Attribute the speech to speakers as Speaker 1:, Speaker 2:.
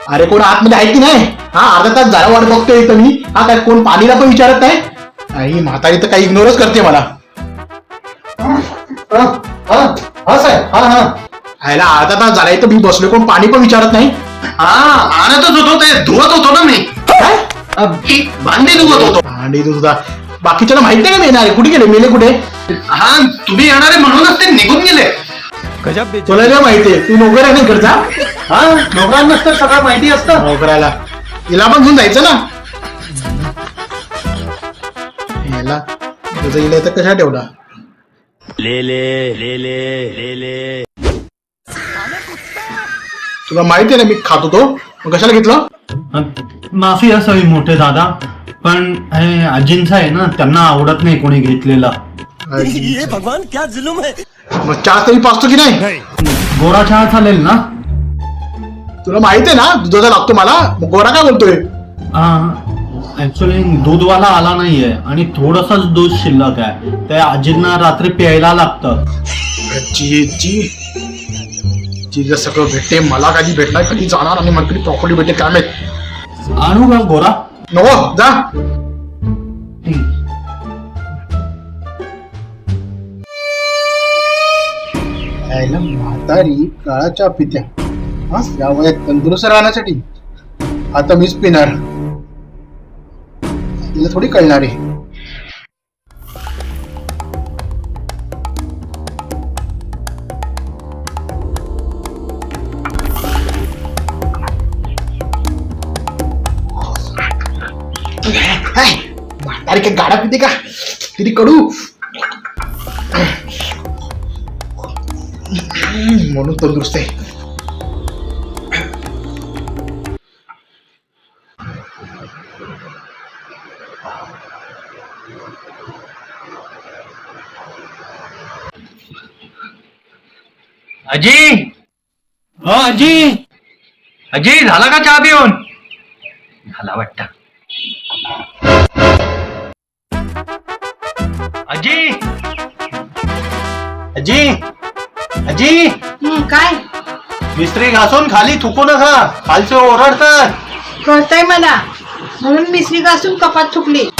Speaker 1: अरे कोण आतमध्ये आहे की नाही? हा अर्धा तास झाला वाट बघतोय इथं मी. हा काय कोण पाणीला पण विचारत नाही? आई म्हातारी तर काही इग्नोरच करते मला.
Speaker 2: हा साहेब, हा हा
Speaker 1: आयला अर्धा तास झाला इथं मी बसलोय, कोण पाणी पण विचारत नाही.
Speaker 2: हा आणतच होतो, ते धुवत होतो ना मी.
Speaker 1: काय
Speaker 2: भांडी धुवत होतो.
Speaker 1: आणि तू तुझा बाकीच्याला माहित नाही का मी येणार आहे? कुठे गेले? मेले कुठे?
Speaker 2: हा तुम्ही येणारे म्हणूनच ते निघून गेले.
Speaker 1: तुला काय माहितीये? तू नोकर आहे ना इकडचा?
Speaker 2: हा नोकरांनाच तर सगळं माहिती असतं.
Speaker 1: नोकराला हिला पण घेऊन जायचं ना. याला तुझं इला तर कशा ठेवला?
Speaker 3: ले
Speaker 1: तुला माहिती आहे ना मी खात होतो, मग कशाला घेतलं?
Speaker 4: माफी असावी मोठे दादा, पण हे आजींचं आहे ना, त्यांना आवडत नाही कोणी घेतलेला.
Speaker 3: ये भगवान क्या जुलुम है.
Speaker 1: मग चहा तरी पाचतो की नाही?
Speaker 4: गोरा चहा चालेल ना?
Speaker 1: तुला माहिती आहे ना दुधाचा लागतो मला, मग गोरा काय बोलतोय?
Speaker 4: ऍक्च्युली दूधवाला आला नाहीये आणि थोडसच दूध शिल्लक आहे, ते आजींना रात्री प्यायला लागतं.
Speaker 1: जी जी जी जर सगळं भेटते मला, कधी भेटणार, कधी जाणार आणि मला कधी प्रॉपर्टी भेटेल काय माहित.
Speaker 4: आणू का गोरा?
Speaker 1: नको जा. यायला म्हातारी काळाच्या पित्या, हा या वयात तंदुरुस्त राहण्यासाठी आता मीच पिणार. तिला थोडी कळणार आहे. म्हातारी काय गाडा पिते का? किती कडू. म्हणून तंदुरुस्त आहे.
Speaker 2: अजी,
Speaker 4: हो आजी.
Speaker 2: अजी झाला का चहा पिऊन? झाला वाटतं. अजी,
Speaker 4: आजी, आजी,
Speaker 5: काय
Speaker 4: मिस्त्री घासून खाली थुकू नका, खालचे ओरडतात.
Speaker 5: कळतंय मला, म्हणून मिसरी घासून कपात थुकली.